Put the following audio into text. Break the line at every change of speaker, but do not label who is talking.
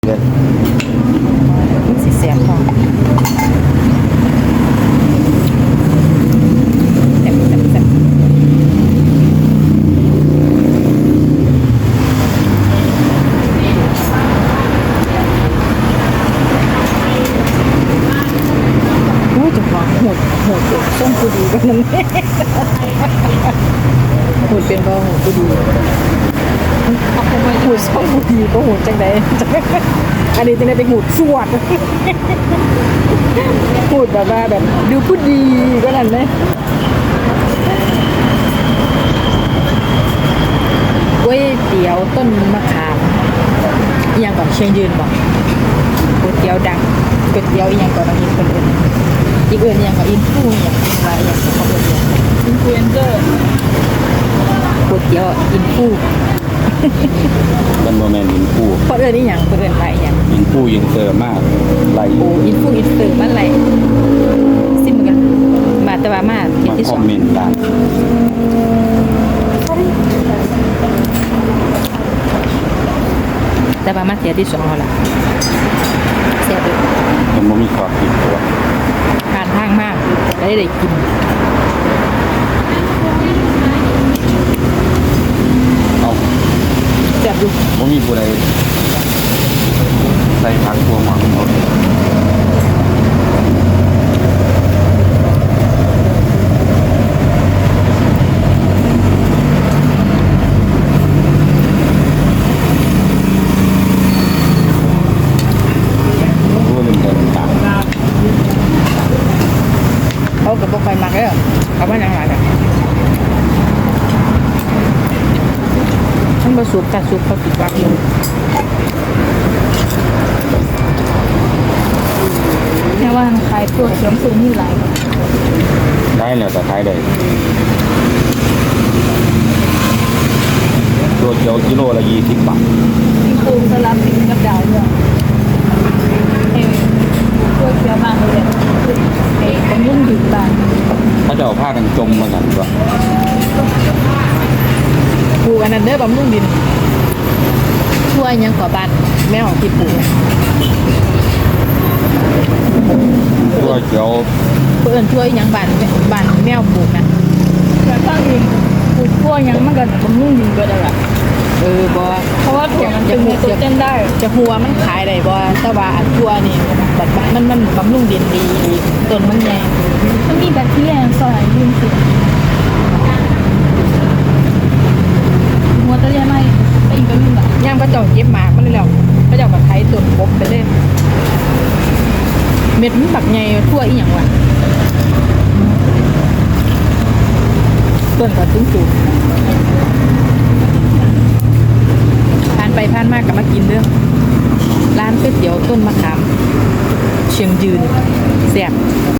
เดือน
มันสิแสบพอแซ่บโอ้ยจังหวะโหดส้มกูดีกันนั่นแหละโหดเป็นบ่โหดกูดีเอาไปโหดส้มกูดีก็โหดจังไดอันนี้จังได้ไปโหดสวดพูดแบบว่าแบบดูพูดดีก็นั่นเลยก๋วยเตี๋ยวต้นมะขามอีหยังก่อนเชียงยืนบอกก๋วยเตี๋ยวดังก๋วยเตี๋ยวอีหยังก่อนมีคนอื่นอีกอื่นอีหยังก่อนอินฟูอีหยังว่าอีหยังของเขาเดียวอินฟลูเอนเซอร์ก๋วยเตี๋ยวอินฟู
มันโมเมนต์อินฟู
คนอื่นอีหยังคนอื่นว่าอีหยัง
อินฟูอินเตอร์มากไล่
โอ้อินฟูอินเตอร์มันไรซิมกันมาแต่ว่ามาเที่ยว
มา
ที่
ค
ส
อ
อ
ม
ง
เมนต์ได้
แต่ว่ามาเที่ยวที่สองแล้วล่ะเสียไป
มันบ่มีความผิดตัว
ผ่านทางมากได้กิน
เอา
เสียบอยู่
บ่มีผู้ใดใส่ผักตัวหมักหมดรู้ว่าเป็นแต่ต่าง
เขากับพวกไฟมักเลยเขาไม่นั่งหลังกันมันผสมแต่ซุปเขาติดวักอยู่แค่ว่าขายตัวเขียวสูงนี่หลาย
ได้แล้วแต่ท้ายได้ตัวเกียวกิโลละ20 บาท
มีปูสลับกินกับดาวด้วยตัวเขียวมากเลยผมยุ่งถึงบ้าน
เขาจะเอาผ้ากันจมมากันตัว
ปลูกอันนั้นเด้อบำรุงดินช่วยยังกว่าบ้านแม่ของที่ปลูก
ตัวเกียว
เพื่อนช่วยยังบ้านแมวปลูกนะ
แต่ตั้งเองปลูกกล้วยยังมันก็ผมยุ่งดินก็ได้ละ
บ่
เพราะว่าถั่วมันเป็นไนโตรเจนได้
จะหัวมันขายได้บ่แต่ว่าอันทั่วนี่บัดมันบำรุงดินดีต้นมันใหญ่
มันมีแบคทีเรียสลายยืนสิหัวตะเลียไม่ไปอีกก็ยุ่งแบบ
ย่ามก็เจ้าเก็บหมากมันเลยแล้วก็เจ้าก็ไถต้นกบไปเลยเม็ดมันบักใหญ่ทั่วอีหยังวะต้นก็สูงผ่านไปผ่านมาก็มากินเด้อร้านก๋วยเตี๋ยวต้นมะขามเชียงยืนแซ่บ